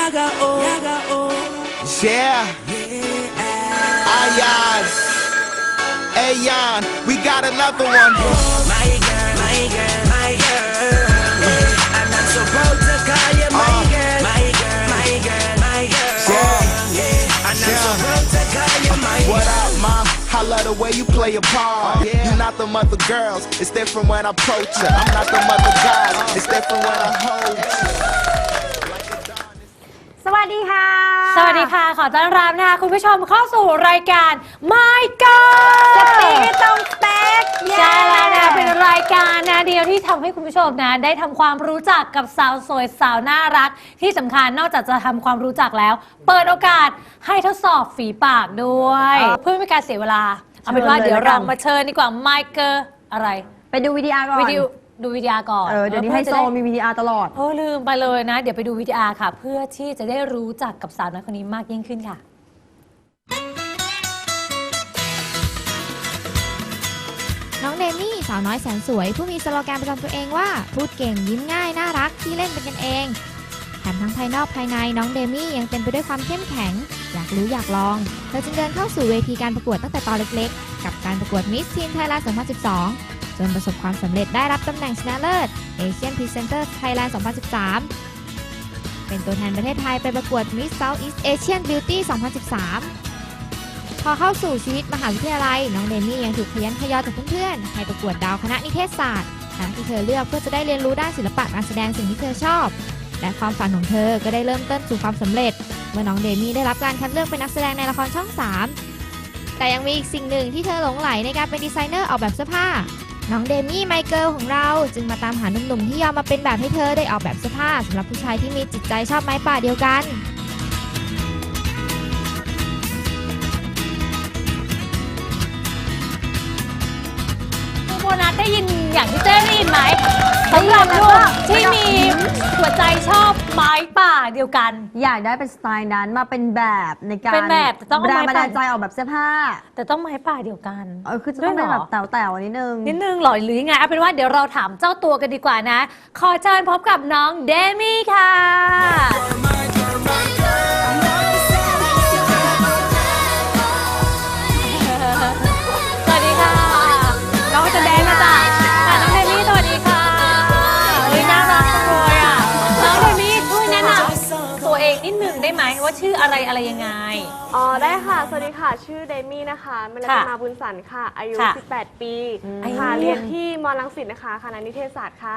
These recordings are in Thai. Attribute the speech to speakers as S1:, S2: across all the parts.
S1: Yeah. Ayan. Ayan. We got another one.
S2: My girl, my girl, my girl. I'm not supposed to call you my girl. My girl, my girl, my girl. I'm not supposed to call you my girl.
S1: What up, mom? I love the way you play your part. You're not the mother girls. It's different when I approach you. I'm not the mother guys. It's different when I hold you.
S3: สวัสดีค่ะ
S4: สวัสดีค่ะขอต้อนรับนะคะคุณผู้ชมเข้าสู่รายการ My God
S3: สปีกให้ตรงสเปค
S4: ใช่แล้วนะเป็นรายการนะเดียวที่ทำให้คุณผู้ชมนะได้ทำความรู้จักกับสาวสวยสาวน่ารักที่สำคัญนอกจากจะทำความรู้จักแล้ว เปิดโอกาสให้ทดสอบฝีปากด้วยเพื่อไม่ให้การเสียเวลาเอาเป็นว่าเดี๋ยวเรามาเชิญดีกว่า My God อะไร
S3: ไปดูวิดีอาร์ก่อน
S4: ดูวิดีอาร์ก่อน
S3: เดี๋ยวนี้ไฮโซมีวิดีอาร์ตลอด
S4: ลืมไปเลยนะ เดี๋ยวไปดูวิดีอาร์ค่ะ เพื่อที่จะได้รู้จักกับสาวน้อยคนนี้มากยิ่งขึ้นค่ะ
S5: น้องเดมี่สาวน้อยแสนสวยผู้มีสโลแกนประจำตัวเองว่าพูดเก่งยิ้มง่ายน่ารักที่เล่นเป็นกันเองแถมทั้งภายนอกภายในน้องเดมี่ยังเต็มไปด้วยความเข้มแข็งอยากรู้อยากลองเธอจึงเดินเข้าสู่เวทีการประกวดตั้งแต่ตอนเล็กๆกับการประกวด Miss Teen Thailand 2012จนประสบความสำเร็จได้รับตำแหน่งชนะเลิศ Asian Presenter Thailand 2013 เป็นตัวแทนประเทศไทยไปประกวด Miss Southeast Asian Beauty 2013 พอเข้าสู่ชีวิตมหาวิทยาลัยน้องเดมี่ยังถูกขยันขยอจากเพื่อนๆให้ประกวดดาวคณะนิเทศศาสตร์คณะที่เธอเลือกเพื่อจะได้เรียนรู้ด้านศิลปะการแสดงสิ่งที่เธอชอบและความฝันของเธอก็ได้เริ่มต้นสู่ความสำเร็จเมื่อน้องเดมี่ได้รับการคัดเลือกเป็นนักแสดงในละครช่อง 3 แต่ยังมีอีกสิ่งหนึ่งที่เธอหลงใหลในการเป็นดีไซเนอร์ออกแบบเสื้อผ้าน้องเดมี่ไมเคิลของเราจึงมาตามหาหนุ่มๆที่ยอมมาเป็นแบบให้เธอได้ออกแบบเสื้อผ้าสำหรับผู้ชายที่มีจิตใจชอบไม้ป่าเดียวกัน
S4: โบนัสได้ยินอย่างที่เจ้ได้ยินไหมสำหรับลูกที่มีหัวใจชอบไม้ป่าเดียวกัน
S3: อยากได้เป็นสไตล์นั้นมาเป็นแบบในการ
S4: เป็นแบบแต่ต้องเอา
S3: แรง
S4: ไม้
S3: บัน
S4: ป่า
S3: ดาลใจออกแบบเสื้อผ้า
S4: แต่ต้องไม้ป่าเดียวกัน
S3: คือจะต้องเป็นแบบแต๋วๆนิดนึง
S4: นิดนึงหรอหรือยังไงเอาเป็นว่าเดี๋ยวเราถามเจ้าตัวกันดีกว่านะ ขอเชิญพบกับน้องเดมี่ค่ะสวัสดีค่ะน้องจะแดงนะจ๊ะน้องเดมี่สวัสดีค่ะน่ารักจังเลยอ่ะน้องเดมี่ช่วยแนะนำตัวเองนิดนึงได้ไหมว่าชื่ออะไรยังไง
S6: อ๋อได้ค่ะ สวัสดีค่ะ ชื่อเดมี่นะคะเมลามาบุญสันค่ะ อายุ
S4: ค่ะ
S6: 18 ปี
S4: อายุ
S6: ค่ะ เรียนที่มอรังสิตนะคะ คณะนิเทศศาสตร์ค่ะ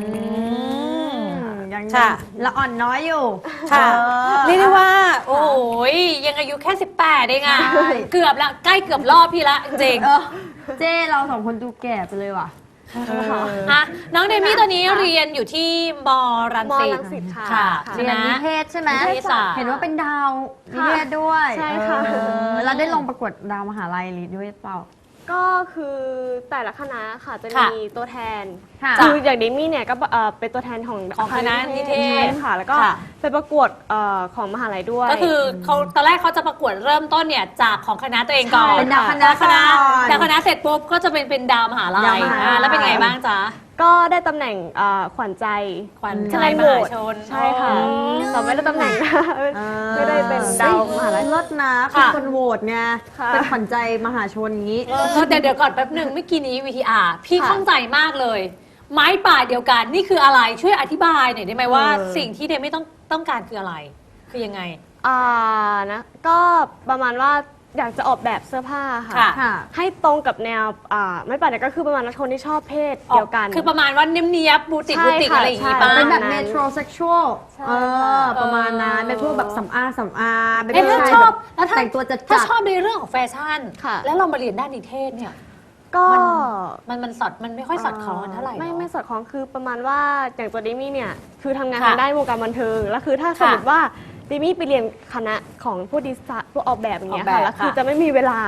S3: ยัง
S4: ค่ะ
S3: ละอ่อนน้อยอยู่
S4: ค่ะเรียกได้ว่า โอ้ยยังอายุแค่ 18เองอ่ะ
S3: ใช่
S4: เกือบละใกล้เกือบรอบพี่ละจริง
S3: เจ้เราสองคนดูแก่ไปเลยว่ะ
S4: อ่ะน้องเดมี่ตอนนี้เรียนอยู่ที่มรัง
S6: มอ
S4: สิต
S6: รังสิตค่ะ
S4: ค่ะ
S3: เรียนนิเทศใช่ไหม
S4: นิเทศศาสตร์
S3: เห็นว่าเป็นดาวนิเทศด้วย
S6: ใช่ค่ะ
S3: แล้วได้ลงประกวดดาวมหาลัยด้วยเปล่า
S6: ก็คือแต่ละคณะค่ะจะ
S4: ค่ะ
S6: มีตัวแทน
S3: ค่ะ
S6: คืออย่างเดมี่เนี่ยก็เป็นตัวแทนของ
S4: คณะนิเทศ
S6: ค่ะ แล้วก็
S4: ค่ะ
S6: ไปประกวดของมหาลัยด้วย
S4: ก็คือเขาตอนแรกเขาจะประกวดเริ่มต้นเนี่ยจากของคณะตัวเองก่อน
S3: ใช่เป็นดาวคณะ
S4: คณะ
S3: ก่อน
S4: ดาวคณะเสร็จปุ๊บก็จะเป็นดาวมหาลั
S3: ดาวย มหาลัย
S4: แล้วเป็นไงบ้างจ๊ะ
S6: ก็ได้ตำแหน่งขวัญใจ
S4: ขวัญใจ
S6: คะแนน
S4: ม
S6: โหว
S4: หา
S6: ต
S4: ชน
S6: ใช่ค่ะ
S4: อ๋อ
S6: แต่ไม่ได้ตำแหน่งนะไม่ได้เป็นดาวมหาลัย
S3: เลิศนะ
S4: ค่ะ
S3: เป็นคนโหวตไง
S6: ค่ะ
S3: เป็นขวัญใจมหาชนอย่างนี้
S4: เดี๋ยวก่อนแป๊บหนึ่งเมื่อกี้นี้ VTR พี่
S6: ค่ะ
S4: ข้องใจมากเลย ไม้ป่าเดียวกันนี่คืออะไรช่วยอธิบายหน่อยได้ไหมว่า สิ่งที่เดมี่ต้องการคืออะไร คือยังไง
S6: นะก็ประมาณว่าอยากจะออกแบบเสื้อผ้าค่ะ
S4: ค่ะ
S6: ให้ตรงกับแนวไม่ป่าเนี่ยก็คือประมาณว่าคนที่ชอบเพศเดียวกัน
S4: คือประมาณว่าเนียบๆบูติก
S6: ใช่
S4: บูติก
S6: ค่ะ
S4: อะไรอย่างงี้
S6: ใช่
S4: ป่ะ
S3: เป็นแบบ
S6: นั้น
S3: เมโทรเซ็กชวล
S6: ใช่ค่ะ
S3: ประมาณนั้นเป็นพวกแบบสำอางเป็น
S4: เอ๊ะ
S3: ผู้
S4: ถ้า
S3: ชาย
S4: ชอบ
S3: แบบ
S4: แล้วถ้า
S3: แต่งตัวจัด
S4: ถ้าชอบในเรื่องของแฟชั่น
S6: ค่ะ
S4: แล้วเรามาเรียนด้านนิเทศเนี่ย
S6: ก็
S4: มันไม่ค่อยสอดคล้องกันเท่าไหร่
S6: ไม่
S4: เนอะ
S6: สอดคล้องคือประมาณว่าอย่างตัวดิมี่เนี่ยคือทำงาน
S4: ค่ะ
S6: ทางด้านวงการบันเทิงแล้วคือถ้าสมมติว่าดิมี่ไปเรียนคณะของผู้ดีไซน์ผู้ออกแบบอย่างเงี้ย
S4: ออกแบบ
S6: ค่ะแล้วคือ
S4: ค่ะ
S6: จะไม่มีเวลา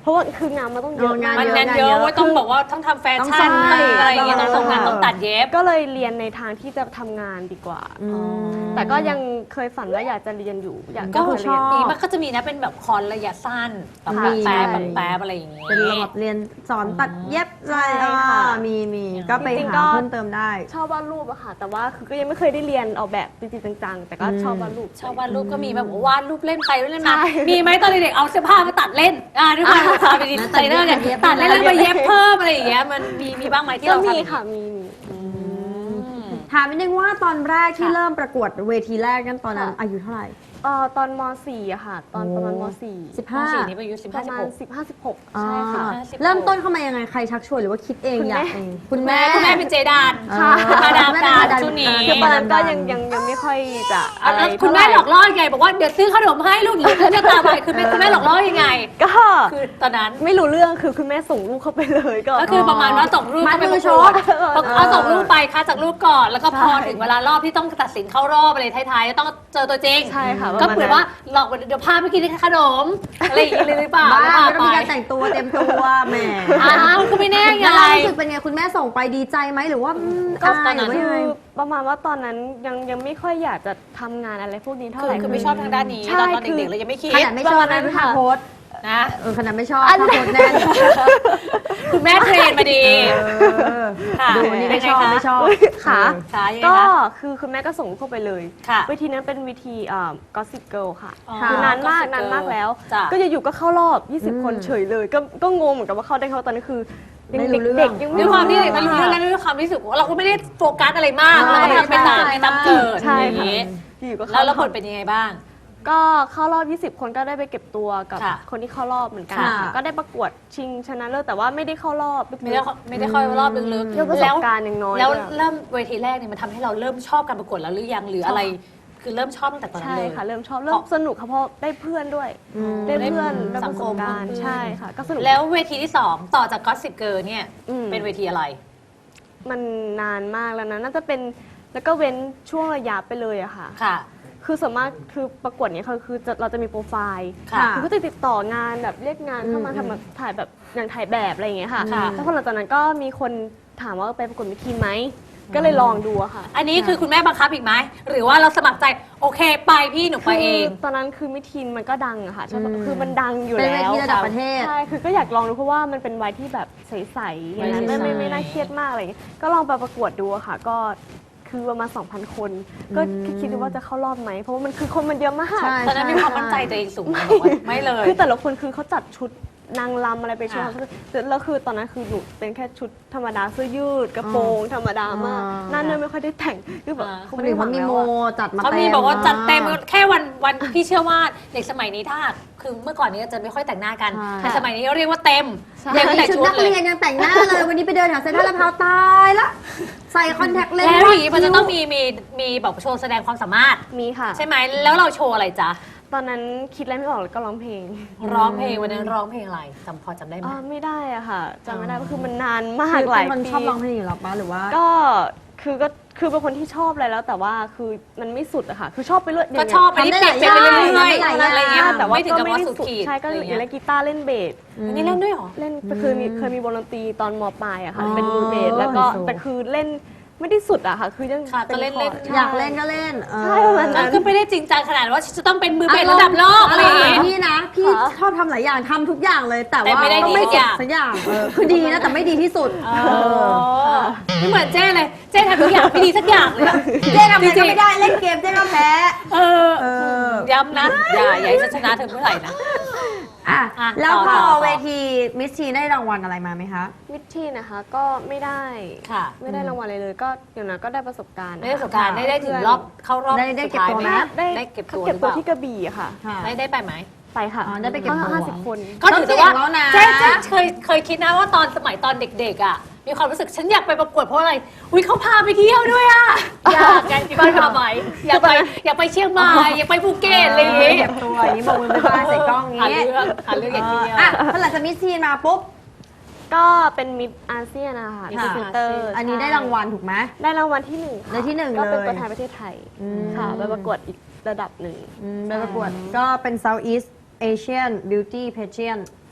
S6: เพราะว่าคืองานมันต้องเยอะ
S3: งาน
S4: มัน
S3: เยอะ
S4: งานเยอะเว่าต้องบอกว่าต้องทำแฟชั่น
S3: ต้องใส่
S4: อะไรอย่างเงี้ยต้องส่งงานต้องตัดเย็บ
S6: ก็เลยเรียนในทางที่จะทำงานดีกว่า
S3: อืม
S6: แต่ก็ยังเคยฝันว่าอยากจะเรียนอยู่อยาก
S3: ก็
S6: จะ
S3: คือ
S6: เรียน
S3: ชอบ
S4: นี่มันก็จะมีนะเป็นแบบคอนระยะสั้นแบบ
S3: มี
S4: แป๊บ
S3: ใช่
S4: แบบแป๊บอะไรอย่างเงี้ย
S3: เป็นระบบเรียนสอนตัดเย็บอะไร
S6: ใช่ค่ะ
S3: มีก็ไป
S6: จริงๆ
S3: หา
S6: ก็
S3: เพิ่มเติมได้
S6: ชอบวาดรูปอะค่ะ แต่ว่าคือก็ยังไม่เคยได้เรียนออกแบบจริงๆจังๆ แต่ก็ชอบวาดรูป
S4: ชอบวาดรูปก็มีแบบวาดรูปเล่นไปเล่นมา
S6: ใช่
S4: มีไหมตอนเด็กๆเอาเสื้อผ้ามาตัดเล่นด้วยความความเป็นดีไซเนอร์เนี่ย
S3: เย็บ
S4: ตัดเล่นแล้วมาเย็บเพิ่มอะไรอย่างเงี้ยมันมีบ้างไหมที่
S6: ก็
S4: เราทำ
S6: มีค่ะมี
S3: ถามนิดนึงว่าตอนแรกที่
S4: ค่ะ
S3: เริ่มประกวดเวทีแรกนั้นตอนนั้น
S6: ค่ะ
S3: อายุเท่าไหร่
S6: ตอนม .4 อะค่ะ ตอนประมาณม .4
S4: สี่นี้ไปอายุ15
S6: ประมาณ
S4: 16
S6: 15-16 ใช่ค่ะ
S4: 16
S3: เริ่มต้นเข้ามายังไงใครชักชวนหรือว่าคิดเอง
S6: คุณ
S3: อยาก
S6: แม่
S3: เองคุณแม่
S4: คุณแม่เป็นเจดาน
S3: ค่ะ
S4: มาดามการชุดนี้
S6: คือตอนนั้นก็ยังไม่ค่อยจะอะไร
S4: แล้วคุณแม่หลอกล่อยังไงบอกว่าเดี๋ยวซื้อขนมให้ลูกหรือจะตามไปคุณแม่หลอกล่อยังไง
S6: ก็
S4: คือตอนนั้น
S6: ไม่รู้เรื่องคือคุณแม่ส่งลูกเข้าไปเลยก็
S4: ก็คือประมาณว่าส่งรูป
S3: มัด
S4: เข้าไป
S3: มื
S4: ป
S3: อ
S4: ระ
S3: ช
S4: กว
S3: ก
S4: ดเอาส่งรูปไปคัดจากรูปก่อน แล้วก็พอ
S6: ใช่
S4: ถึงเวลารอบที่ต้องตัดสินเข้ารอบอะไรท้ายๆต้องเจอตัวจริง
S6: ใช่ค่ะ
S4: ก็
S6: ประมาณ
S4: เผื่อว่าหลอกเดี๋ยวพาไปกินขนมอะไรอย่างเงี้ยเลยหรือเปล่า
S3: บ้า
S4: แล้วพา
S3: ไม่ต้อง
S4: ไป
S3: มีการแต่งตัวเต็มตัวแหม
S4: อ้าวก็ไม่แน่ไง
S3: แล้วเรารู้สึกเป็นไงคุณแม่ส่งไปดีใจไหมหรือว่า
S6: ก็
S3: อายหรือว่ายังไง
S6: คือประมาณว่าตอนนั้นยังไม่ค่อยอยากจะทำงานอะไรพวกนี้เท่าไหร่
S4: คือไม่ชอบทางด้านนี้
S6: ใช่
S4: ตอนเด็กๆเรายังไม่คิด
S3: ขนาดไม่ชอบ
S6: ประมาณนั้
S3: นะ
S6: น
S3: ท่า
S6: ค่ะ
S3: โพสต์
S4: นะ
S3: ขนาดไม่ชอบท่าโพสต์แน่น
S4: คุณแม่เทรนมาดี ค่ะ
S3: ดูอันนี้ไม่ชอบ
S4: เป็นไงคะ
S3: ไม่ชอบ
S6: ค่ะ
S4: ค่ะยังไง
S6: ก็
S4: คะ
S6: คือคุณแม่ก็ส่งลูกเข้าไปเลย
S4: ค่ะ
S6: เวทีนั้นเป็นเวทีGossip Girl ค่ะ
S4: อ๋อ
S6: คือนานมาก
S4: Gossip Girl
S6: นานมากแล้ว
S4: จ้ะ
S6: ก็อยู่ๆก็เข้ารอบ 20 คนเฉยเลย ก็งงเหมือนกันว่าเข้าได้เขาตอนนั้นคือยัง
S3: ไม่รู้
S6: เด็ก
S3: เรื่อง
S6: ๆยัง
S4: ด้วยความที่เด็ก
S6: ไม่
S4: ไม่รู้เรื่องแล้วด้วยความที่รู้สึกว่าเราก็ไม่ได้โฟกัสอะไรมาก
S3: ใช่
S4: เราก็ทำไปตามไม่ตามเกิด
S6: ใช่
S4: อย่าง
S6: ค่ะ
S4: นี้
S6: อยู่ๆก็
S4: แล้ว
S6: เข้า
S4: ผลเป็นยังไงบ้าง
S6: ก็เข้ารอบ 20 คนก็ได้ไปเก็บตัวกับ
S4: ค่ะ
S6: คนที่เข้ารอบเหมือนกัน
S3: ค่ะ
S6: ค่ะก็ได้ประกวดชิงชนะเลิศแต่ว่าไม่ได้เข้ารอบ
S4: ไม่ได้ค่อยรอบลึก
S6: เรื่องประสบการณ์ยังน้อย
S4: แล้ว
S6: ด้วย
S4: เริ่มเวทีแรกเนี่ยมันทำให้เราเริ่มชอบการประกวดแล้วหรือยังหรืออะไร คือเริ่มชอบตั้งแต่ตอนนั้น
S6: ใช่
S4: เลย
S6: ค่ะ เริ่มชอบเริ่มสนุกค่ะเพราะได้เพื่อนด้วย ได้เพื่อนได้
S4: สั
S6: ป
S4: ง
S6: ระ
S4: ค
S6: ส
S4: ม
S6: บการณ์ใช่ค่ะ ก็สนุก
S4: แล้วเวทีที่ 2 ต่อจาก Gossip Girl เนี่ย
S6: อืม
S4: เป็นเวทีอะไร
S6: มันนานมากแล้วนะน่าจะเป็นแล้วก็เว้นช่วงระยะไปเลยอะค่ะ
S4: ค่ะ
S6: คือส่วนมากคือประกวดเนี้ยคือเราจะมีโปรไฟล์
S4: ค่ะ
S6: คือก็จะติดต่องานแบบเรียกงานเข้ามาทำแบบถ่ายแบบอย่างถ่ายแบบอะไรอย่างเงี้ยค่ะ
S4: ค่ะ
S6: แล้วพอหลังจากนั้นก็มีคนถามว่าไปประกวดมิทีนไหมก็เลยลองดูอะค่ะ
S4: อันนี้คือคุณแม่บังคับอีกไหมหรือว่าเราสมัครใจโอเคไปพี่หนูไปเอง
S6: คือตอนนั้นคือมิทีนมันก็ดังอะค่ะใช่ปะคือมันดังอยู่
S3: เป็น
S6: แล้ว
S3: เวทีระดับประเทศ
S6: ใช่คือก็อยากลองดูเพราะว่ามันเป็นวัยที่แบบใสๆอย่างนั้น
S4: ใสๆ
S6: ไม่น่าเครียดมากอะไรอย่างเงี้ยก็ลองไปประกวดดูอะค่ะ ก็คือประมาณ 2,000 คน ก็คิดดูว่าจะเข้ารอบไหมเพราะว่ามันคือคนมันเยอะมาก
S3: ใช่
S4: ตอนนั้นมีความมั่นใจตัวเองสูงไหมบอกว่าไม่เลย
S6: คือแต่ละคนคือเขาจัดชุดนางรำอะไรไปโชว์
S4: อ่า
S6: แล้วคือตอนนั้นคือหนูเป็นแค่ชุดธรรมดาเสื้อยืดกระโปรงธรรมดามากหนั่นเลยไม่ค่อยได้แต่งคือแบบ
S3: คนอื่นเขามีโมจัดมา
S4: เขา
S3: เต็ม
S4: มีบอกว่าจัดเต็มแค่วันพี่เชื่อว่าเด็กสมัยนี้ถ้าคือเมื่อก่อนนี้จะไม่ค่อยแต่งหน้ากัน
S3: ใช่
S4: แต่สมัยนี้เรียกว่าเต็ม
S3: เด็
S4: เต็
S3: ก
S4: มแต่
S3: ชุด
S4: ชุด
S3: นัก
S4: เล
S3: เรี
S4: ย
S3: ยนยังแต่งหน้าเลย วันนี้ไปเดินแถวเซ็นทรัลลาดพร้าวตายละใส่คอนแทคเลนส์
S4: แล้วอย่างนี้มันจะต้องมีแบบโชว์แสดงความสามารถ
S6: มีค่ะ
S4: ใช่ไหมแล้วเราโชว์อะไรจ๊ะ
S6: ตอนนั้นคิดอะไรไม่ออกแล้วก็ร้องเพลง
S4: ร้องเพลงวันนั้นร้องเพลงอะไรพอจำได้ไหม
S6: ไม่ได้อะค่ะจำไม่ได้เพราะคือมันนานมาก
S3: คือ
S6: หลา
S3: เป็
S6: ย
S3: นคน
S6: ปี
S3: ชอบร้องเพลงอยู่แล้วปะหรือว่า
S6: ก็คือเป็นคนที่ชอบอะไรแล้วแต่ว่าคือมันไม่สุดอะค่ะ คือชอบไปเรื่อย
S4: ก็ชอบไปที่เปลี่ยนไปเรื่อยๆ
S3: ทำได้หลายอย่าง
S4: อะไรเงี้ย
S6: แต่ว่า
S4: ไม่ถึง
S6: ก็
S4: กับ
S6: ไม่
S4: ว่า
S6: ได้
S4: สุด
S6: สุด
S4: ขีด
S6: ใช่ก็
S4: อะไร
S6: เล่
S4: เงี้ย
S6: นกีตาร์เล่นเบส
S4: อันนี้เล่นด้วยเหรอ
S6: เล่นคือเคยมีวงดนตรีตอนมปลายอะค่ะ
S3: อ๋อ
S6: เป็นมือเบสแล้วก็
S3: โอ้โห
S6: แต่คือเล่นไม่ได้สุดอะค่ะ คือยัง
S4: ค่ะก็เล่น
S6: คอร์ด
S4: เล่น
S6: ใช่
S3: อยากเล่นก็เล่น
S6: ใช่ประมาณนั้น
S4: ก็ไม่ได้จริงจังขนาดว่าจะต้องเป็นมือเป็นระดับโลกอะไรอย่างเงี้ย
S3: พี่นะ พี่ชอบทำหลายอย่างทำทุกอย่างเลย แต่
S4: แต่
S3: ว่า
S4: ไม่ได้
S3: ต้อง
S4: ดี
S3: ไม่
S4: ทุก
S3: เก็
S4: อบ ย่าง
S3: สักอย่างคือดีนะแต่ไม่ดีที่สุด
S4: ไม่เหมือนเจ้เลย เจ้ทำทุกอย่างไม่ดีสักอย่างเลยอะ
S3: เจ๊ทำอะไรก็ไม่ได้เล่นเกมเจ๊ก็แพ้
S4: เออ ย้ำนะ อย่าให้ฉันชนะเธอเมื่อไหร่นะ
S3: อ่ะ
S4: อ่ะ
S3: แล้วพ
S4: ต่
S3: อ
S4: อ
S3: เวทีมิสทีได้รางวัลอะไรมาไหมคะ
S6: มิดทีนะคะก็ไม่ได้
S4: ค่ะ
S6: ไม่ได้รางวัลอะไรเลยก็อย่างนั้นก็ได้ประสบการณ์
S4: ได้ประสบการณ์ได้ถึงรอบเข้ารอบ
S3: ได้
S4: สุ
S3: เก็บ
S4: ท้าย
S3: ตัว
S4: ไหม
S3: ไหม
S4: ได้เก็บตัวห
S6: เก็
S4: รื
S6: บ
S4: อ
S6: ตั
S4: เป
S6: ว
S4: ล่า
S6: ที่กระบี่อะค่ะ
S3: ค่ะ
S4: ได้ไปไหม
S6: ไปค่ะ
S3: อ๋อได้ไปเก็บตัว
S6: 50 คน
S4: ก็ถือว่า
S3: ต้องเสี่ยงแล้วนะ
S4: เจ๊เคยคิดนะว่าตอนสมัยตอนเด็กๆอ่ะมีความรู้สึกฉันอยากไปประกวดเพราะอะไรอุ้ยเขาพาไปเที่ยวด้วยอ่ะอยากไงที่บ้านพาไปอยากไปเชียงใหม่อยากไปภูเก็ตอะไรอย่างงี้
S3: เก็บตัวอย่างนี้บอกมือไปบ้านใส่กล้องอย่าง
S4: หา
S3: นี้
S4: เรื่องอย่างเดียว
S3: อ่ะพอหลังจากมิสทีมาปุ๊บ
S6: ก็เป็นมิดอาเซียนนะคะ
S4: ค่ะ
S6: พรีเซนเตอร์
S3: อันนี้ได้รางวัลถูกไหม
S6: ได้รางวัลที่หนึ่งค่ะ
S3: ได้ที่หนึ่ง
S6: ก็เป็น
S3: เลย
S6: ตัวแทนประเทศไทยค่ะไปประกวดอีกระดับหนึ่ง
S3: ไปประกวดก็เป็น Southeast Asian Beauty Pageant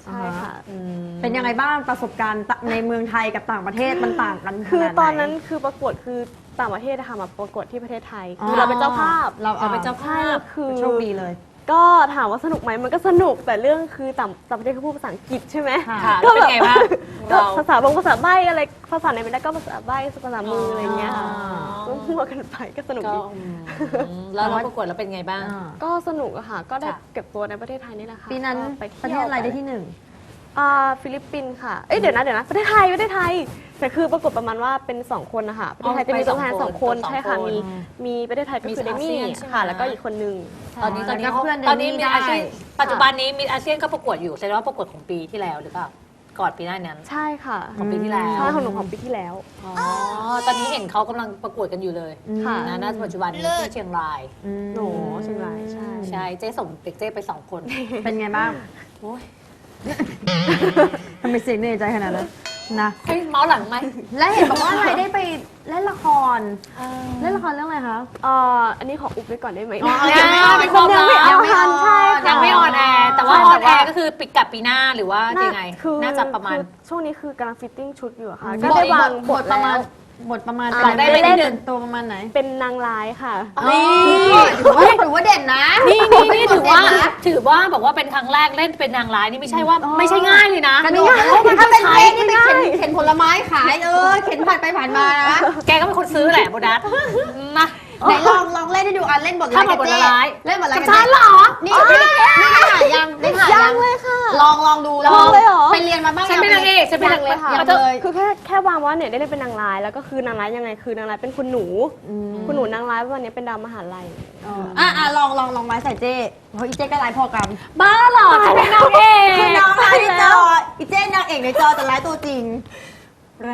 S6: ใช่ค่ะ
S3: เป็นยังไงบ้างประสบการณ์ในเมืองไทยกับต่างประเทศมันต่างกัน
S6: คือ
S3: ขนาดไห
S6: ตอนนั้นคือประกวดคือต่างประเทศนะคะมาประกวดที่ประเทศไทย
S3: อ๋อ
S6: คือเราเป็นเจ้าภาพ
S3: เราเป็นเจ้าภาพ
S6: คือ
S3: โชคดีเลย
S6: ก็ถามว่าสนุกไหมมันก็สนุกแต่เรื่องคือต่างประเทศเขาพูดภาษาอังกฤษใช่ไหม
S4: ค่ะแล้วเป็นไงบ้าง
S6: ก็
S4: เรา
S6: ภาษาใบ้อะไรภาษาไหนไม่ได้ก็ภาษาใบ้ภาษามืออะไรอย่างเงี้ยค่ะก็มั่วกันไปก็สนุก
S4: ก็
S6: ดี
S4: แล้วเราประกวดแล้วเป็นไงบ้าง
S6: ก็สนุกอะค่ะ ก็ได้
S4: ค่ะ
S6: เก็บตัวในประเทศไทยนี่แหละค่ะ
S3: ปีนั้น
S6: ก็ไป
S3: ประเทศอะไรได้ที่หนึ่ง
S6: ฟิลิปปินส์ค่ะเดี๋ยวนะประเทศไทยแต่คือปรากฏประมาณว่าเป็น2คนนะคะประเทศไทยจะมีตัวแทน2คนใช่ค่ะมีประเทศไทยก็คือเดมี่ค่ะแล้วก็อีกคนนึง
S4: ตอนนี้
S3: แล้วก็เพื่อน
S4: ตอนนี้
S3: เดมี่
S4: มีอาชีพ
S3: ได้
S4: ปัจจุบันนี้มีอาเซียนก็ประกวดอยู่แสดงว่าประกวดของปีที่แล้วหรือเปล่าก่อนปีหน้านั้น
S6: ใช่ค่ะ
S4: ของปีที่แล้ว
S6: ใช่ของหนูของปีที่แล้ว
S4: อ๋อตอนนี้เห็นเขากำลังประกวดกันอยู่เลย
S6: ค่ะ
S4: นะณปัจจุบันนี้ที่เชียงราย
S6: หนูเชียงรายใช่
S4: ใช่เจ๊ส่งเด็กเจ๊ไป2 คน
S3: เป็นไงบ้าง
S4: โอ้ย
S3: ทำไมเสียงเหนื่อยใจขนาดนั้นนะ
S4: ให้เมาส์หลังไหม
S3: และเห็นบอกว่าอะไรได้ไปเล่นละครเล่นละครเรื่องอะไรคะ
S6: อันนี้ขออุบไว้ก่อนได้ไหม
S3: ยังไม่ออน
S4: เป็นความลับ
S3: ยังไม่ออนใช่ค่ะ
S4: ยังไม่ออนแอร์แต่ว่า
S3: ใช่
S4: ออนแอ
S3: แต่ว่า
S4: ร์ก็คือปิดกับปีหน้าหรือว่ายังไง น่าจะประมาณ
S6: คือช่วงนี้คือกำลังฟิตติ้งชุดอยู่อะค่ะ
S3: บ
S6: ก็
S3: ท
S6: ได้วาง
S3: บบ ท
S6: ท
S3: ประ
S6: แล้
S3: มาณ
S6: ว
S3: บทประมาณ
S6: บอกได้ไหม
S3: เล่น
S6: นิดนึง
S3: ตัวประมาณไหน
S6: เป็นนางร้ายค่ะ
S3: นี่ถือว่าเด่นนะ
S4: นี่ถือว่าบอกว่าเป็นครั้งแรกเล่นเป็นนางร้ายนี่ไม่ใช่ว่าไม่ใช่ง่ายเลยนะ
S3: กระโดดถ้าเป็นเพลงนี่ไปเข็นผลไม้ขายเข็นผ่านไปผ่านมานะ
S4: แกก็เป็นคนซื้อแหละโบนัสนะ
S3: ไหนลองเล่นให้ดูเล่นบท
S4: ถ้าบทร้าย
S3: เล่นบทร้าย
S4: กับฉันเหรอ
S3: นี่ได้ถ่ายยังได้ถ่ายยัง
S6: เลยค่ะ
S3: ลองดู
S6: ลองเลยเหรอ
S3: ไปเรียนมาบ้าง
S4: ฉันเป็นนางเอกฉันเป็นนาง
S6: เลยค่ะ
S3: ยังเลย
S6: คือแค่วางว่าเนี่ยได้เล่นเป็นนางร้าย แล้วก็คือนางร้ายยังไงคือนางร้ายเป็นคุณหนูนางร้ายวันนี้เป็นดาวมหาลัย
S3: ลองไม้ใส่เจ้เพราะอีเจ้ก็ร้ายพอกัน
S4: บ้าเหรอฉันเป็นนางเอก
S3: คือน้องร้ายในจออีเจ้นางเอกในจอแต่ร้ายตัวจริง
S4: แรง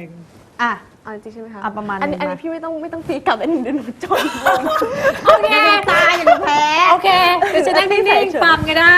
S3: อ่ะ
S6: เอาจริงๆใช่ไหมคะ
S3: ประมาณ
S6: อันนี้
S3: นั้นนะ
S6: พี่ไม่ต้องตีกลับอันนี้เดี๋ยวหนูจน
S4: โอเค
S3: อย่าดูตาอย่าดูแพ้
S4: โอเคเดี๋ยวจะนั่งนิ่งๆฟังก็ได้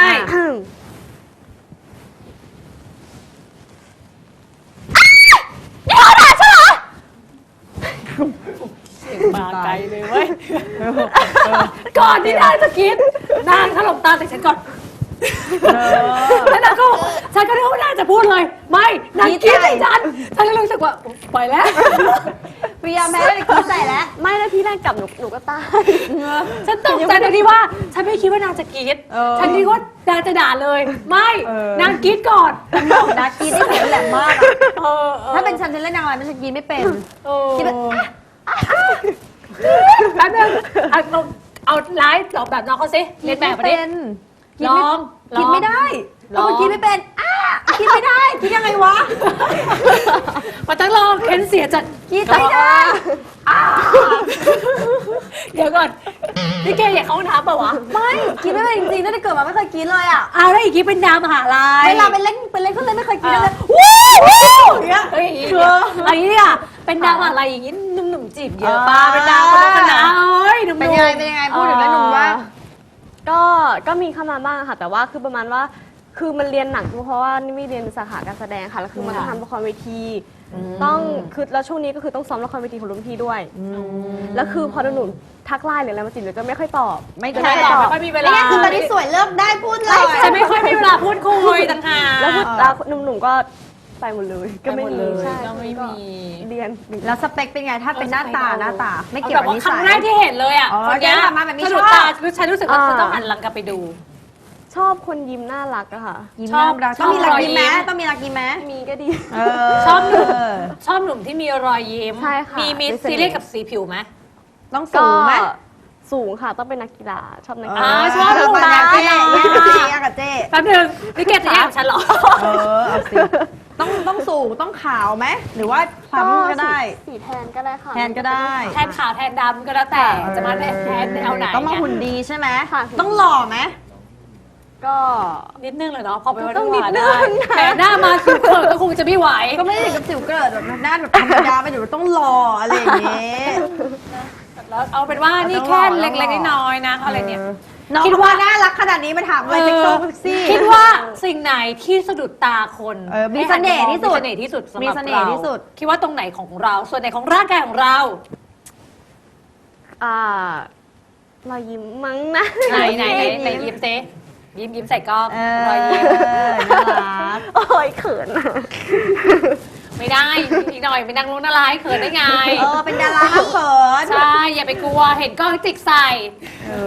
S4: มาไกลเลยเว้ยก่อนที่นางจะคิดนางถล่มตาใส่ฉันก่อนแล้วนางก็ฉันก็นึกว่านางจะพูดเลย ไม่นางคิดใส่ฉันก็รู้สึกว่าไปแล้ว
S3: พยายามแพ้เลยคิดใส่แล้ว
S6: ไม่แล้วที่แรกกลับหนูก็ตาย
S4: ฉันตกใจตรงที่ว่า ฉันไม่คิดว่านางจะกรี๊ดฉันคิดว่านางจะด่าเลย ไม่นางกรี๊ดก่อน
S3: ดากีได้เสียงแหลมมากถ้าเป็นฉันเล่นนางร้ายมันจะกีไม่เป็นคิดแบบ
S4: แป๊บนึงเอาไลฟ์แบบน้องเขาสิเรียนแบบมาดิลอง
S3: คิดไม่ได้คิดไม่เป็นคิดไม่ได้คิดยังไงวะ
S4: มาตั้งลองเค้นเสียจัด
S3: คิดไม่ได้
S4: เดี๋ยวก่อนนี่แกอยากเข้าห้องน้ำเปล่าวะ
S3: ไม่คิดไม่เป็นจริงๆตั้งแต่เกิดมาไม่เคยคิดเลยอ่ะ
S4: เอาแล้วอีกทีเป็นดาวมหาลัย
S3: เวลาไปเล่นเครื่องเล่นไม่เคยคิดเลย
S4: วู้อย่างเงี้ยเฮ้ยอันนี้เนี่ยเป็นดาวมหาลัยอย่างงี้หนุ่มๆจีบเยอะป้าเป็นดาวคนคณะเอ้ยหนุ่มๆ
S3: เป็นยังไงพูดถึงแล้วหนุ่มว่า
S6: ก็มีเข้ามาบ้างค่ะ แต่ว่าคือประมาณว่าคือมันเรียนหนักเพราะว่านี่ไม่เรียนสาขาการแสดงค่ะแล้วคือมันต้องทำละครเวทีต้องคือแล้วช่วงนี้ก็คือต้องซ้อมละครเวทีของรุ่นพี่ด้วยแล้วคือพอหนูทักไลน์หรืออะไรมาจีบหนูจะไม่ค่อยตอบ
S3: ไม่
S4: จะ
S3: แค่
S4: ไม่ตอบไม่ค่อยมีเวลา
S3: นี่คือตอนนี้สวยเลิกได้พูดเลย
S4: จะไม่ค่อยมีเวลาพูดคุยต่างหาก
S6: แล้วหนุ่มๆก็ไปหมดเลยก็ไม่มีใช่
S4: ก็ไม่มี
S6: เรียน
S3: แล้วสเปคเป็นไงถ้าเป็นหน้าตาไม่เกี่ยว
S4: แบบ
S3: กับ
S4: ว่า
S3: นิ
S4: ครั้
S3: สั
S4: ง
S3: ย
S4: แรกที่เห็นเลยอ่ะ
S3: อ๋อ
S4: คนเนี้ย
S3: เดินมาแบบนี้
S4: สะดุด
S3: ชอบ
S4: ตาฉันรู้สึกว่าฉันต้องหันหลังกลับไปดู
S6: ชอบคนยิ้มน่ารักอะค่ะ
S3: ยิ้ม
S4: ชอบ
S3: น่ารัก
S4: ชอบ
S3: ต้องมีรัก
S4: รอยยิ้
S3: ยิ้
S4: ม
S3: มต้องมีรักยิ้มไหม
S6: มีก็ดี
S4: ชอบหนุ่มที่มีรอยยิ้ม
S6: ใช่ค่ะ
S4: มี
S6: มีเสน่ห์
S4: ซีเรียสกับสีผิวไหม
S3: ต้องสูงไหม
S6: สูงค่ะต้องเป็นนักกีฬาชอบนักกี
S4: อ่า
S6: ฬา
S4: ชอบหนุ่ม
S3: ปัญญา
S4: นะ
S3: เจ๊แย่กับเจ๊
S4: แป๊บนึงนี่แกจะแย่งฉันเหรอ
S3: เอาสิต้องสูงต้องขาวไหมหรือว่าคล้ำก็ได้
S6: สีแทนก็ได้ค่ะ
S3: แทนก็ได้
S4: แทนขาวแทนดำก็แล้วแต่จะมาแทนแนวไหน
S3: ต้องมา
S4: ไง
S3: หุ่นดีใช่ไหม
S6: ค่ะ
S3: ต้องหล่อไหม
S6: ก็
S4: นิดนึงเลยเนาะพอไปวัน
S6: ต้อง
S4: ห
S6: นิ
S4: วา
S6: ด
S4: น
S6: นึ
S4: ได้
S6: ง
S4: แต่หน้ามาคิวเขินก็คงจะไม่ไหว
S3: ก็ไม่ได้ถึงกับสิวเกิดแบบหน้าแบบธรรมดาไปเดี๋ยวต้องหล่ออะไรอย่างเงี้ย
S4: แล้วเอาเป็นว่านี่แค่เล็กๆน้อยๆนะอะไรเนี่ย
S3: น้อง
S4: คิ
S3: คิ
S4: ด
S3: ด
S4: ว่า
S3: ว่าน่ารักขนาดนี้มาถามอะไรเซ็กซี่
S4: คิดว่าสิ่งไหนที่สะดุดตาคน
S3: มีเสน่ห์ที่สุด
S4: มีเสน่ห์ที่สุดสำหรับ
S3: มีเสน่ห์ที่สุด
S4: คิดว่าตรงไหนของเรา ส่วนไหนของร่างกายของเรา
S6: รอยยิ้มมั้งนะ
S4: ไหนยิ้มเซยิ้มใส่กล้อง
S3: ร
S4: รอยยิ้ม
S3: น่ารัก
S6: โอ้ยเขินอะ
S4: ไม่ได้อีกหน่อยไปนั่งรู้น่ารักให้เขินได้ไง
S3: เป็นดาราห้ามเขิน
S4: ใช่ อย่าไปกลัวเห็นกล้องจิกใส่